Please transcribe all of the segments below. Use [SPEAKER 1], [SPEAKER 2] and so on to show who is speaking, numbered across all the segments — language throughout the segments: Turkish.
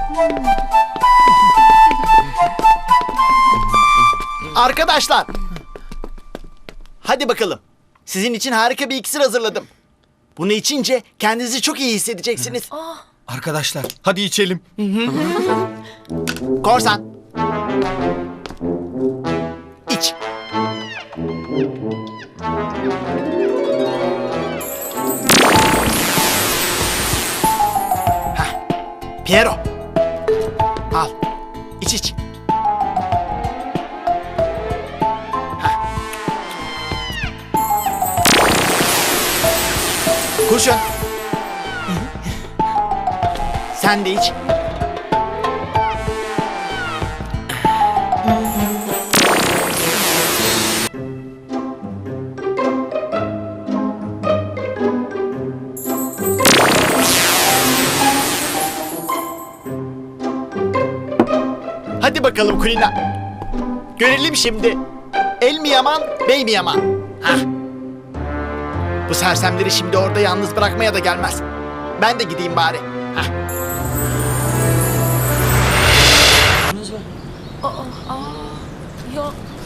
[SPEAKER 1] Arkadaşlar. Hadi bakalım. Sizin için harika bir iksir hazırladım. Bunu içince kendinizi çok iyi hissedeceksiniz.
[SPEAKER 2] Arkadaşlar hadi içelim.
[SPEAKER 1] Korsan. İç. Hah. Piero. Al. İç iç. Hah. Kurşun. Sen de iç. Hadi bakalım Kulina. Görelim şimdi. El mi yaman, bey mi yaman? Hah. Bu sersemleri şimdi orada yalnız bırakmaya da gelmez. Ben de gideyim bari. Hah.
[SPEAKER 3] Ya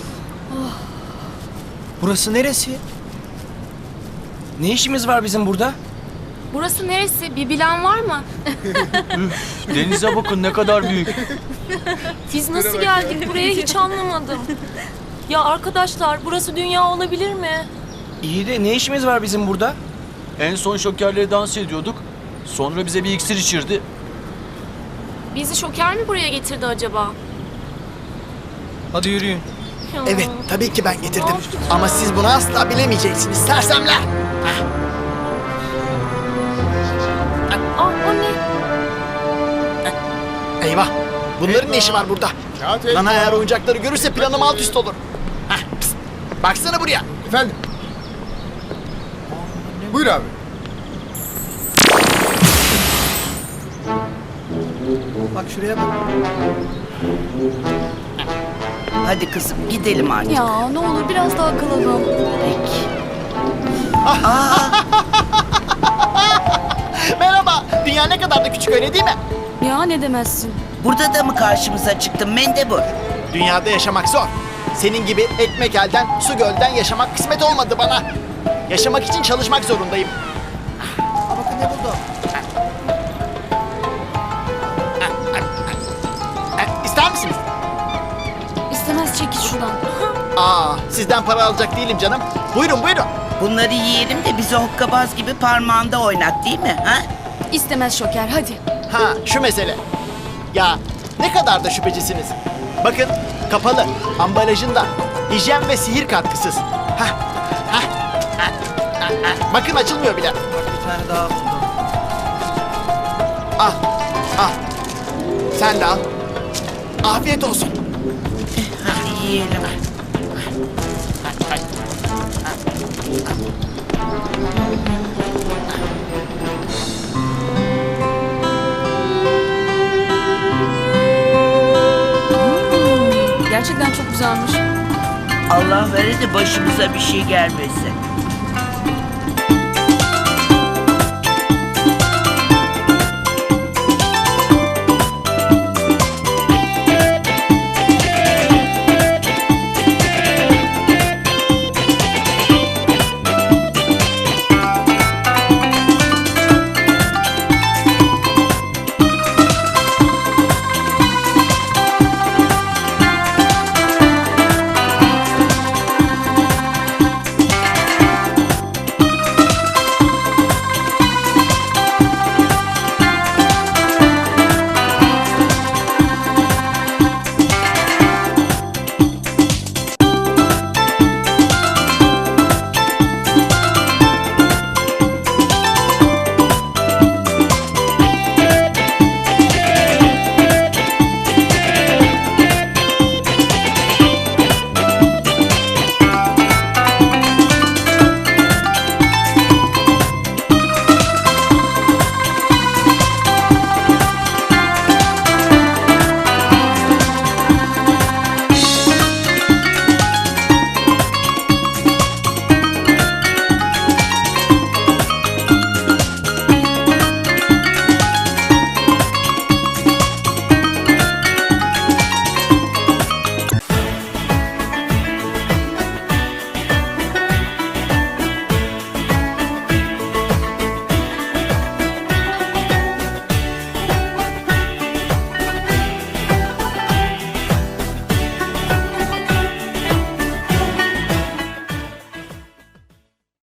[SPEAKER 2] Burası neresi? Ne işimiz var bizim burada?
[SPEAKER 3] burası neresi? Bir bilen var mı?
[SPEAKER 4] Denize bakın ne kadar büyük.
[SPEAKER 3] Biz nasıl geldik buraya hiç anlamadım. Ya arkadaşlar burası dünya olabilir mi?
[SPEAKER 2] İyi de ne işimiz var bizim burada?
[SPEAKER 4] En son şokerle dans ediyorduk. Sonra bize bir iksir içirdi.
[SPEAKER 3] Bizi şoker mi buraya getirdi acaba?
[SPEAKER 2] Hadi yürüyün.
[SPEAKER 3] Ya.
[SPEAKER 1] Evet, tabii ki ben getirdim. Ama siz bunu asla bilemeyeceksiniz sersemler.
[SPEAKER 3] Aa, o ne?
[SPEAKER 1] Eyvah, bunların ne işi var burada? Nana eğer oyuncakları görürse planım alt üst olur. Hah, pst, baksana buraya.
[SPEAKER 5] Efendim? Buyur abi.
[SPEAKER 1] Bak şuraya bak.
[SPEAKER 6] Hadi kızım gidelim artık.
[SPEAKER 3] Ya ne olur biraz daha kalalım.
[SPEAKER 6] Peki.
[SPEAKER 1] Merhaba, dünya ne kadar da küçük öyle değil mi?
[SPEAKER 3] Ya ne demezsin?
[SPEAKER 6] Burada da mı karşımıza çıktın Mendebur?
[SPEAKER 1] Dünyada yaşamak zor. Senin gibi ekmek elden, su gölden yaşamak kısmet olmadı bana. Yaşamak için çalışmak zorundayım. Aa, bakın ne buldum. İster misiniz?
[SPEAKER 3] İstemez çekil şuradan.
[SPEAKER 1] Aa, sizden para alacak değilim canım. Buyurun buyurun.
[SPEAKER 6] Bunları yiyelim de bizi hokkabaz gibi parmağında oynat değil mi? Ha?
[SPEAKER 3] İstemez şoker hadi.
[SPEAKER 1] Ha, şu mesele. Ya ne kadar da şüphecisiniz. Bakın kapalı, ambalajında hijyen ve sihir katkısız. Hah, hah, hah, hah, hah. Bakın açılmıyor bile.
[SPEAKER 2] Bir tane daha buldum.
[SPEAKER 1] Al, al. Sen de al. Afiyet olsun.
[SPEAKER 6] Hadi yiyelim.
[SPEAKER 3] Gerçekten çok güzelmiş.
[SPEAKER 6] Allah vere de başımıza bir şey gelmesin.